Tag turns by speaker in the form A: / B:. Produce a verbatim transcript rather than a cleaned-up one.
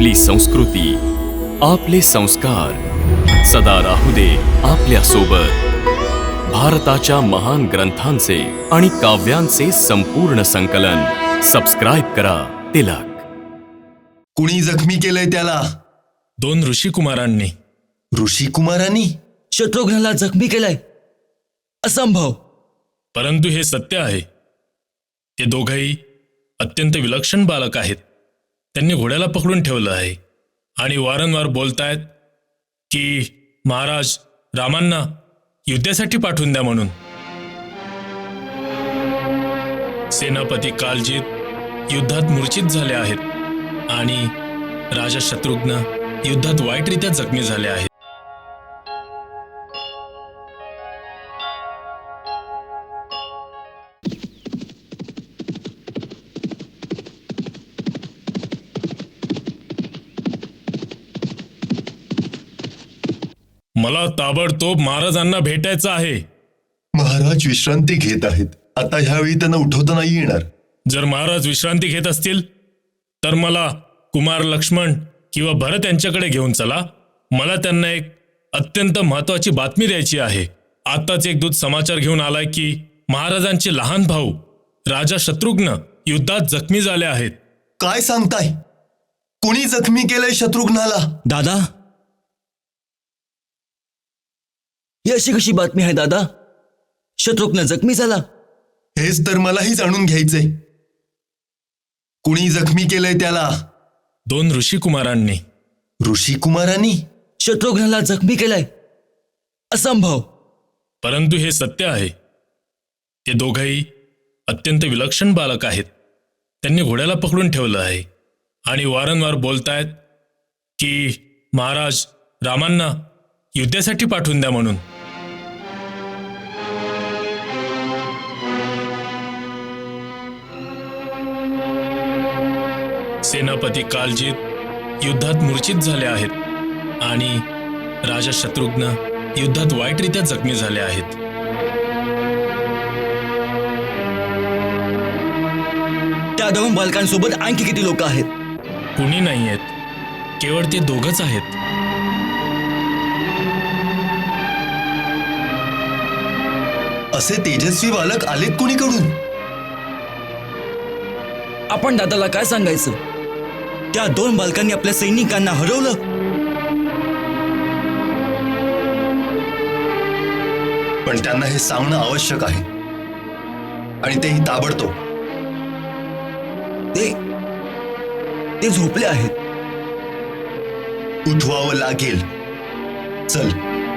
A: आपली संस्कृती, आपले संस्कार सदा राहू दे आपल्या सोबत. भारताच्या महान ग्रंथांचे आणि काव्यांचे संपूर्ण संकलन. सबस्क्राईब करा तिलक.
B: कुणी जखमी केलंय त्याला?
C: दोन ऋषिकुमारांनी.
B: ऋषिकुमारांनी
D: शत्रुघ्नाला जखमी केलाय? असंभव.
C: परंतु हे सत्य आहे. ते दोघंही अत्यंत विलक्षण बालक आहेत. त्यांनी घोड्याला पकडून ठेवलं आहे आणि वारंवार बोलतायत की महाराज रामांना युद्धासाठी पाठवून द्या म्हणून. सेनापती कालजीत युद्धात मूर्छित झाले आहेत आणि राजा शत्रुघ्न युद्धात वाईटरित्या जखमी झाले आहेत. मला ताबडतोब महाराजांना भेटायचं आहे.
B: महाराज विश्रांती घेत आहेत. आता ह्यावेळी त्यांना उठवता नाही येणार.
C: जर महाराज विश्रांती घेत असतील तर मला कुमार लक्ष्मण किंवा भरत यांच्याकडे घेऊन चला. मला त्यांना एक अत्यंत महत्वाची बातमी द्यायची आहे. आताच एक दूत समाचार घेऊन आलाय की महाराजांचे लहान भाऊ राजा शत्रुघ्न युद्धात जखमी झाले आहेत.
B: काय सांगताय? कुणी जखमी केलंय शत्रुघ्नाला?
D: दादा, ही अशी कशी बातमी आहे दादा? शत्रुघ्न जखमी झाला?
B: हेच तर मलाही जाणून घ्यायचंय. कुणी जखमी केलंय त्याला?
C: दोन ऋषिकुमारांनी.
B: ऋषिकुमारांनी
D: शत्रुघ्नाला जखमी केलाय? असंभव.
C: परंतु हे सत्य आहे. ते दोघंही अत्यंत विलक्षण बालक आहेत. त्यांनी घोड्याला पकडून ठेवलं आहे आणि वारंवार बोलतायत की महाराज रामांना युद्धासाठी पाठवून द्या म्हणून. सेनापती कालजीत युद्धात मूर्छित झाले आहेत आणि राजा शत्रुघ्न युद्धात वाईटरित्या जखमी झाले आहेत.
D: त्या दोन बालकांसोबत आणखी किती लोक आहेत?
C: कुणी नाही आहेत. केवळ ते दोघंच आहेत.
B: असे तेजस्वी बालक आलेत कुणीकडून?
D: आपण दादाला काय सांगायचं? त्या दोन बालकांनी आपल्या सैनिकांना हरवलं.
B: पण त्यांना हे सांगणं आवश्यक आहे आणि तेही ताबडतोब.
D: ते ते झोपले आहेत.
B: उठवावं लागेल. चल.